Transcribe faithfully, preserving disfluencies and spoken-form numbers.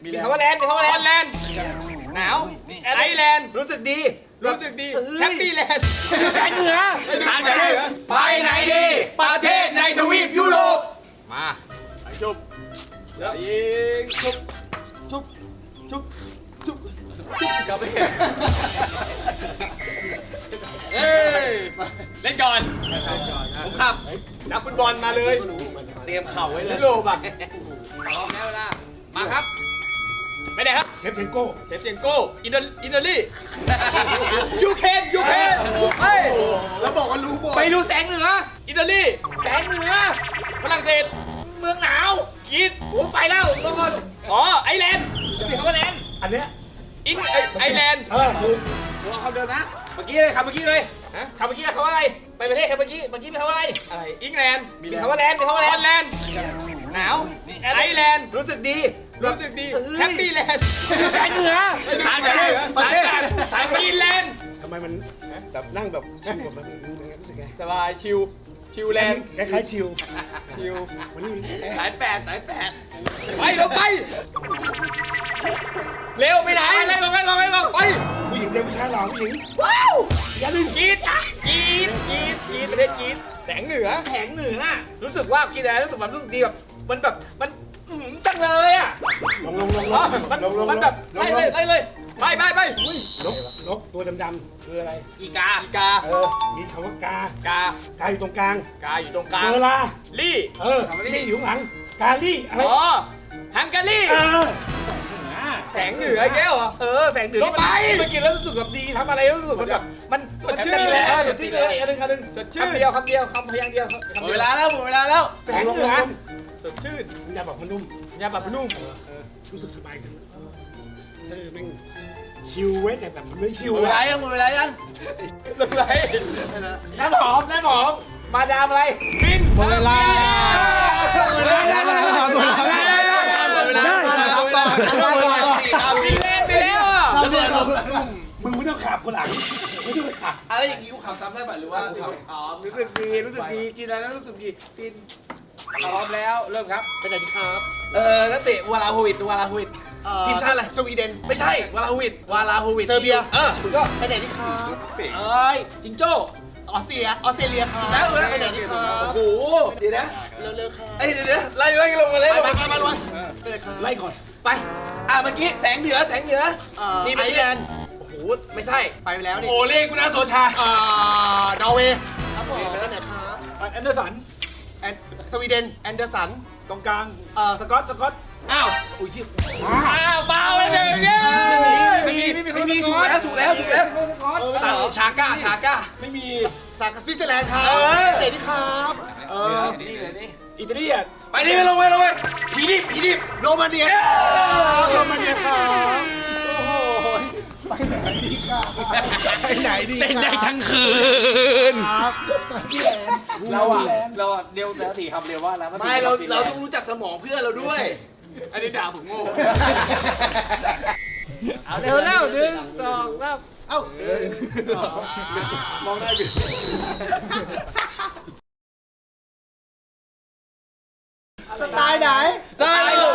มีคำว่าแลนด์มีคำว่าแลนด์แลนด์หนาวไอแลนด์รู้สึกดีรู้สึกดีแฮปปี้แลนด์แสงเหนือสารเหนือไปไหนดีประเทศในทวีปยุโรปมาไปชุบยิงชุบชุบชุบชุบกลับไปเฮ้ยเล่นก่อนผมขับนักฟุตบอลมาเลยเตรียมเข่าไว้เลยยุโรปอ่ะพร้อมแล้วนะมาครับไปไหนครับเชฟเชนโก้เชฟเชนโก้อินเตอร์อินเตอรี่ยูเคนยูเคนเฮ้ยแล้วบอกว่ารู้หมดไปดูแสงเหนืออิตาลีแสงเหนือฝรั่งเศสเมืองหนาวกรีดผมไปแล้วทุกคนอ๋อไอแลนด์มีคำว่าแลนด์อันเนี้ยอิงไอแลนด์เออถูกผมเอาคำเดิมนะเมื่อกี้เลยคำเมื่อกี้เลยฮะคำเมื่อกี้คำว่าอะไรไปประเทศคำเมื่อกี้เมื่อกี้มีคำว่าอะไรอะไรอิงแลนด์มีคำว่าแลนด์มีคำว่าแลนด์แลนด์หนาวไอแลนด์รู้สึกดีรู้สึกดีแฮปปี้แลนด์แสงเหนือสายเหนือสายการสายฟีนแลนด์ทำไมมันแบบนั่งแบบชิลแบบมันรู้สึกไงสบายชิลชิลแลนด์คล้ายๆชิลชิลวันนี้สายแปดสายแปดไปเราไปเร็วไปไหนไปลงไปลงไปลงไปผู้หญิงเดียวผู้ชายหล่อผู้หญิงว้าวอย่าลืมกรีดอ่ะกรีดกรีดกรีดประเทศกรีดแสงเหนือแสงเหนืออ่ะรู้สึกว่ากินอะไรรู้สึกแบบรู้สึกดีแบบมันแบบมันจังเลยอ่ะลงลงลงลอ๋อง มันลงลงมันแบบไล่เลยไล่เลยไปไปไปนกนกตัวดำๆคืออะไรอีกาอีกาเออมีคำว่ากากากาอยู่ตรงกลางกาอยู่ตรงกลางเวลาลี่เออลี่อยู่ข้างหลังกาลี่อะไรอ๋อฮังการีเออแสงเหนือแก้วเหรอเออแสงเหนือที่มันมันกินแล้วรู้สึกแบบดีทำอะไรแล้วรู้สึกมันแบบมันมันชื่อเลยสดชื่อเลยอันหนึ่งอันหนึ่งสดชื่อคำเดียวคำเดียวคำพยางเดียวหมดเวลาแล้วหมดเวลาแล้วแสงเหนือสดชื่นมันจะบอกมันนุ่มยาแบบนุ่มเออเออรู้สึกสบายขึ้นเออแม่งชิลเว้ยแต่แบบมันไม่ชิลหมดเวลายังหมดเวลายังลงไรน้ำหอมน้ำหอมมาดามอะไรบินหมดเวลาบินเล่นไปแล้วอ่ะมึงไม่ต้องขับคนหลังไม่ต้องขับอะไรอย่างนี้กูขับซ้ำได้ป่ะหรือว่าอ๋อรู้สึกดีรู้สึกดีกินอะไรแล้วรู้สึกดีกินพร้อมแล้วเริ่มครับเป็นไหนดีครับ เออนักเตะวาลาโฮวิดวาลาโฮวิดทีมชาติอะไรสวีเดนไม่ใช่วาลาโฮวิดวาลาโฮวิดเซอร์เบียเออคุณก็ไปไหนดีครับเอ้ยจิงโจ้ออสเตรเลียออสเตรเลียครับแล้วไปไหนดีครับโอ้โหเดี๋ยวนะเร็วๆครับเอ้ยเดี๋ยวๆไล่ไล่ลงมาเลยไปไปไปมาไปเลยครับไล่ก่อนไปอ่ะเมื่อกี้แสงเหนือแสงเหนือนี่ไอแลนด์โอ้โหไม่ใช่ไปไปแล้วนี่โอเล่กุนาโซชาอ่านอร์เวย์ครับผมไปไหนครับแอนเดอร์สันแอนสวีเดนแอนเดอร์สันตรงกลางเอ่อสกอตสกอตอ้าวอุ้ยชื่ออ้าวเบาไปหนึ่งเย้ไม่มีไม่มีไม่มีถูกแล้วถูกแล้วถูกแล้วต่างชาก้าชาก้าไม่มีจากสวิตเซอร์แลนด์ครับเออเดนี่ครับเออนี่เลยนี่อิตาลีอ่ะไปนี่ไปลงไปลงไปผีดิบผีดิบโรมาเนียโรมาเนียครับโอ้โหไปไหนดีครับไปไหนดีเต้นได้ทั้งคืนครับพี่แอนเราอ่ะเราอ่ะเร็วแต่สี่คำเร็วว่าแล้วไม่เราเราต้องรู้จักสมองเพื่อนเราด้วยอันนี้ด่าผมโง่เอาเร็วแล้วหนึ่งสองสามเอ้ามองได้ดิสไตล์ไหนสไตล์ผม